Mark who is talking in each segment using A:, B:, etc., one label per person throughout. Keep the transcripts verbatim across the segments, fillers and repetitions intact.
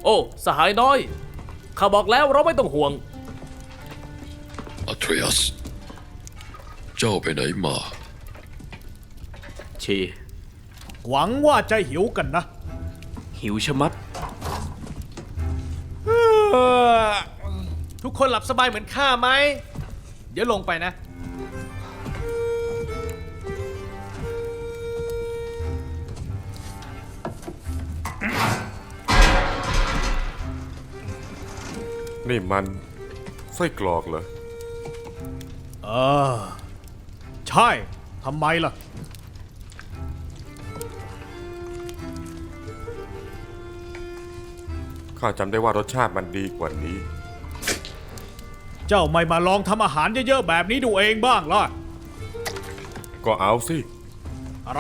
A: โอ้สหายน้อยข้าบอกแล้วเราไม่ต้องห่วง
B: อัทรีอัสเจ้าไปไหนมา
A: ชี
C: หวังว่าจะหิวกันนะ
A: หิวชะมัด
C: ทุกคนหลับสบายเหมือนข้าไหม เดี๋ยวลงไปนะ
D: นี่มันไส้กรอกเหรอ
C: เออ ใช่ ทำไมล่ะ
D: ข้าจำได้ว่ารสชาติมันดีกว่านี้
C: เจ้าไม่มาลองทำอาหารเยอะๆแบบนี้ดูเองบ้างล่ะ
D: ก็เอาสิ
C: อะไร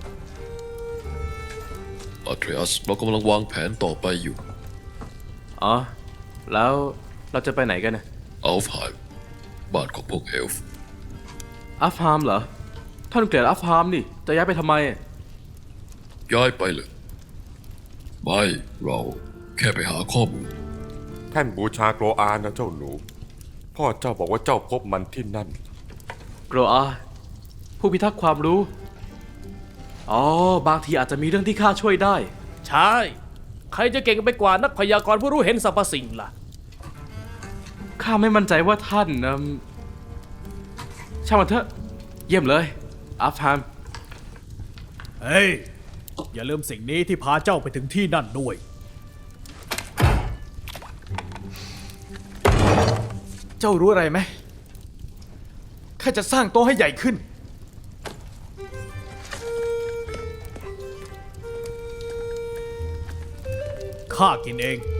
B: อัทรีอัสเรากำลังวางแผนต่อไปอยู่
A: อ๋อแล้วเราจะไปไหนกันนะ
B: อัลฟไฮม์บ้านของพวกเอลฟ์
A: อัฟฮามเหรอท่านเกลียดอัฟฮามนี่จะย้ายไปทำไม
B: ย้ายไปเลยไม่เราแค่ไปหาข้อมูล
D: แท่นบูชาโกรอานะเจ้าหนู พ่อเจ้าบอกว่าเจ้าพบมันที่นั่น
A: โกรอาผู้พิทักษ์ความรู้ อ๋อบางทีอาจจะมีเรื่องที่ข้าช่วยได้ ใช่ ใครจะเก่งไปกว่านักพยากรณ์ผู้รู้เห็นสรรพสิ่งล่ะ ข้าไม่มั่นใจว่าท่านอืมช่างมันเถอะ เยี่ยมเลย อัฟฮาม
C: เฮ้ย อย่าลืมสิ่งนี้ที่พาเจ้าไปถึงที่นั่นด้วย
E: เจ้ารู้อะไรไหมข้าจะสร้างโต๊ะให้ใหญ่ขึ้น
C: ข้ากินเอง